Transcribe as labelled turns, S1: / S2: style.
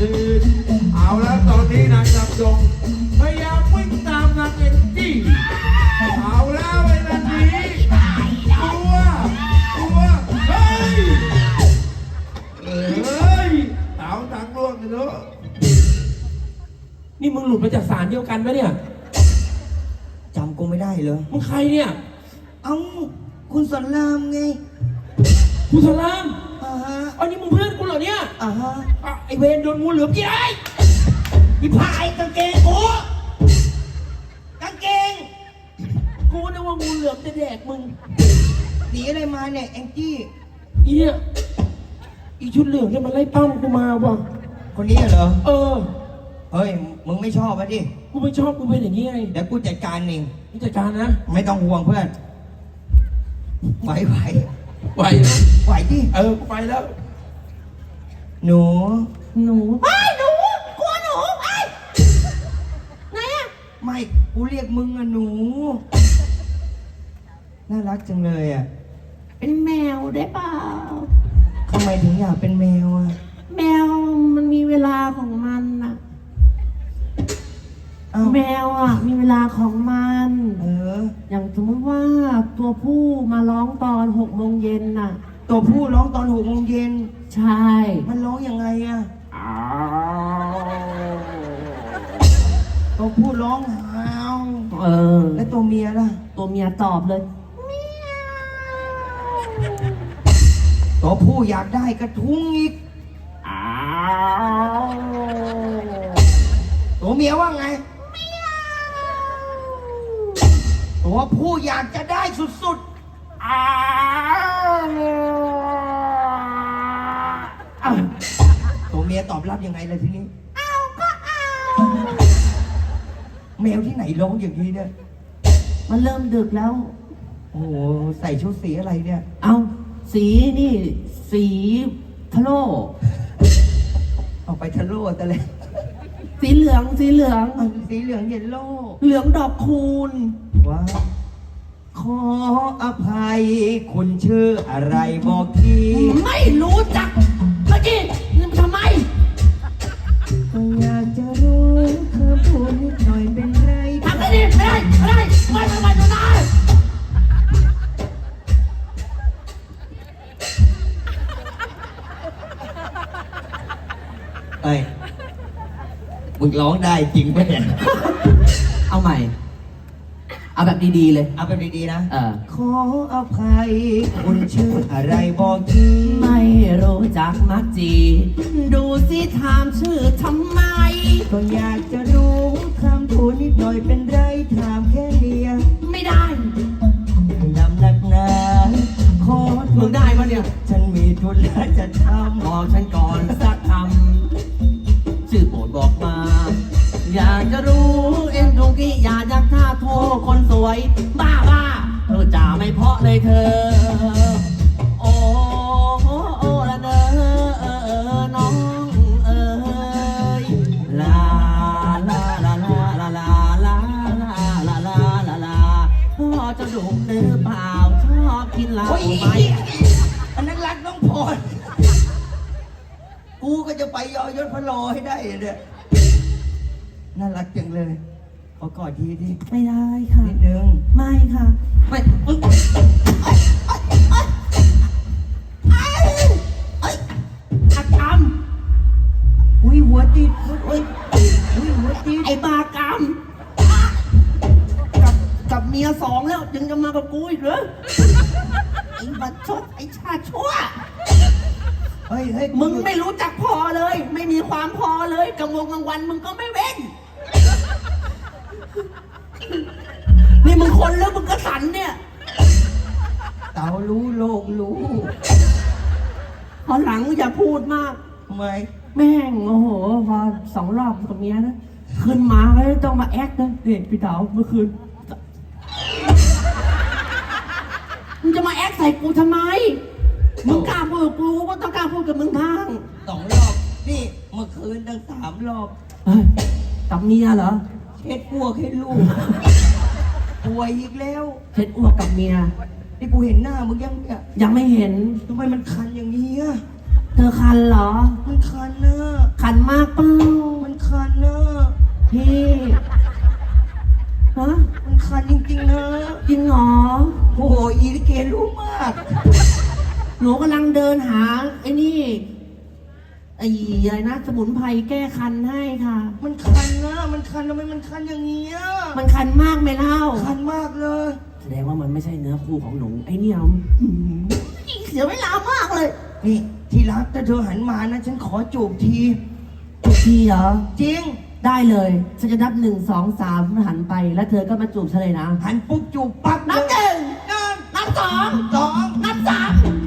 S1: คืนเอาแล้วตอนนี้นางลำดงพยายามวิ่งตามนางเอ็นจี้เอาแล้วไอ้นันนี้กลัวเฮ้ยเต๋าตังล่วงเลยเนอะ
S2: นี่มึงหลุดมาจากศาลเดียวกันปะเนี่ย
S3: จำกูไม่ได้เลย
S2: มึงใครเนี่ย
S3: เอ้าคุณสอนรามไง
S2: กูสลาม
S3: ฮะ
S2: อันนี้มึงเพื่อนกูเหรอเนี่ย
S3: ฮะ
S2: ไอเวรโดนงูเหลือมยิงไอ้
S3: อีพายกางเกงกูกางเกง
S2: กูนึกว่างูเหลือมจะแดกมึง
S3: หนีอะไรมาเนี่ยแองจี้
S2: อีเนี่ยอีชุดเหลืองเนี่ยมันไล่ปั้มกูมาว่ะ
S3: คนนี้เหรอ
S2: เออ
S3: เฮ้ยมึงไม่ชอบอ่ะดิ
S2: กูไม่ชอบกูเป็นอย่างนี้ไง
S3: เดี๋ยวกูจัดการเอง
S2: มึงจัดการนะ
S3: ไม่ต้องห่วงเพื่อนไหว
S2: ไหวนะ
S3: ไหวดิ
S2: กูไปแล้ว
S3: หนู
S2: หนู
S3: ไอ้หนูกลัวหนูไอ้ไหนอะไม่กูเรียกมึงอะหนูน่ารักจังเลยอะ
S4: เป็นแมวได้เปล่า
S3: ทำไมถึงอยากเป็นแมวอะ
S4: แมวมันมีเวลาของมันน่ะ
S3: เอ้า
S4: แมวอ่ะมีเวลาของมัน
S3: เออ
S4: อย่างสมมติว่าตัวผู้มาร้องตอน6 โมงเย็นน่ะ
S3: ตัวผู้ร้องตอน6 โมงเย็น
S4: ใช่
S3: มันร้องยังไงอะตัวผู้ร้องฮาว
S4: เออ
S3: และตัวเมียล่ะ
S4: ตัวเมียตอบเลย
S3: ตัวผู้อยากได้กระทุ้งอีกตัวเมียว่าไงตัวผู้อยากจะได้สุดๆตัวเมียตอบรับยังไงเลยทีนี้แมวที่ไหนร้องอย่างนี้เนี่ย
S4: มันเริ่มดึกแล้ว
S3: โอ้โหใส่ชุดสีอะไรเนี่ย
S4: เอาสีนี่สีทะโล
S3: ออกไปทะลุแต่เลย
S4: สีเหลืองสีเหลือง
S3: สีเหลืองเยลโล่
S4: เหลืองดอกคูณ
S3: ว้าวขออภัยคุณชื่ออะไรบอกที
S4: ไม่รู้จักเมื่อกี้ทำไม
S3: ก็อยากจะรู้เธอพูดนิดหน่อยเป็นไร
S4: ทำได้ดิไม่ได้ไม่ได้ไม่ได้
S3: เอ้ยมึงร้องได้จริงปะเนี่ย
S4: เอาใหม่ เอาแบบดีๆเลย
S3: เอาเป็นดีๆนะ ขออภัยคุณชื่ออะไรบอกที
S4: ไม่รู้จักมักจี ดูสิถามชื่อทำไม
S3: ก็อยากจะรู้คำพูดนิดหน่อยเป็นไรถามแค่เดียว
S4: ไม่ได้
S3: นำหนักหนาขอโทษ
S4: มึงได้ปะเนี่ย
S3: ฉันมีธุระจะทำ
S4: บอกฉันก่อนสักคำชื่อโปรดบอกมา อยากจะรู้เอ็มดูกี้อยากท่าโทษคนสวย บ้าเธอจ่าไม่เพราะเลยเธอ โอ้ละเนอน้องเอ๋ยลาลาลาลาลาลาลาลาลาลาลาลาพ่อจะดุหรือเปล่าชอบกินเหล้า
S3: โอ้ย
S4: ไหม
S3: อันนั้นรักน้องพรกูก็จะไปยอยศพะโลให้ได้เนี่ยน่ารักจังเลย ขอกอดทีดิ
S4: ไม่ได้ค่ะ
S3: นิดนึง
S4: ไม่ค่ะ ไม่อักกรรม
S3: อุ้ยหัวติดอุ้ยหัวติด
S4: ไอ้บากรรมกับเมียสองแล้วยังจะมากับกูอีกเหรอไอ้บัดชดไอ้ชาชั่ว
S3: เฮ้ย
S4: มึงไม่รู้จักพอเลย ไม่มีความพอเลยกลางวันมึงก็ไม่เว้น นี่มึงคนแล้วมึงก็สันเนี่ย
S3: เต๋ารู้โลกรู้
S4: พอหลังอย่าพูดมาก
S3: ทำไม
S4: แม่งโอ้โหพอ2 รอบกับเมียนะขึ้นมาก็ต้องมาแอคนะเด็กพี่เต๋าเมื่อคืนมึงจะมาแอคใส่กูทำไมมึงกล้าพูดกับกูก็ต้องกล้าพูดกับมึงบ้าง
S3: 2 รอบ นี่เมื่อคืนตั้ง3 รอบ
S4: เฮ้ยกับเมียเหรอ
S3: เช็ดพวกให้ลูก ป่วยอีกแล้ว
S4: เช็ดอ้วกกับเมีย
S3: นี่กูเห็นหน้ามึงยังเนี่ย
S4: ยังไม่เห็น
S3: ทำไมมันคันอย่างนี้อะ
S4: เธอคันเหรอ
S3: มันคันนะ
S4: คันมากเปล่า
S3: มันคันนะ
S4: พี่ฮะ
S3: มันคันจริงๆนะ
S4: จริงเหรอ
S3: โอ้โหอีลิเกรู้มาก
S4: หนูกำลังเดินหาไอ้นี่ไอ้อะไรนะสมุนไพรแก้คันให้ค่ะ
S3: มันคันนะมันคันทำไมมันคันอย่างเงี้ย
S4: มันคันมากไหมเล่า
S3: คันมากเลย
S4: แสดงว่ามันไม่ใช่เนื้อคู่ของหนูไอ้เนี่ยเสียเวลามากเลย
S3: นี่ที่รักถ้าเธอหันมานะฉันขอจูบที
S4: พี่เหรอ
S3: จริง
S4: ได้เลยฉันจะนับ1 2 3หันไปแล้วเธอก็มาจูบฉันเลยนะ
S3: หันปุ๊บจูบปั๊บ
S4: นับ
S3: เลย
S4: 1
S3: หนึ่ง
S4: นับ2
S3: สอง
S4: นับ3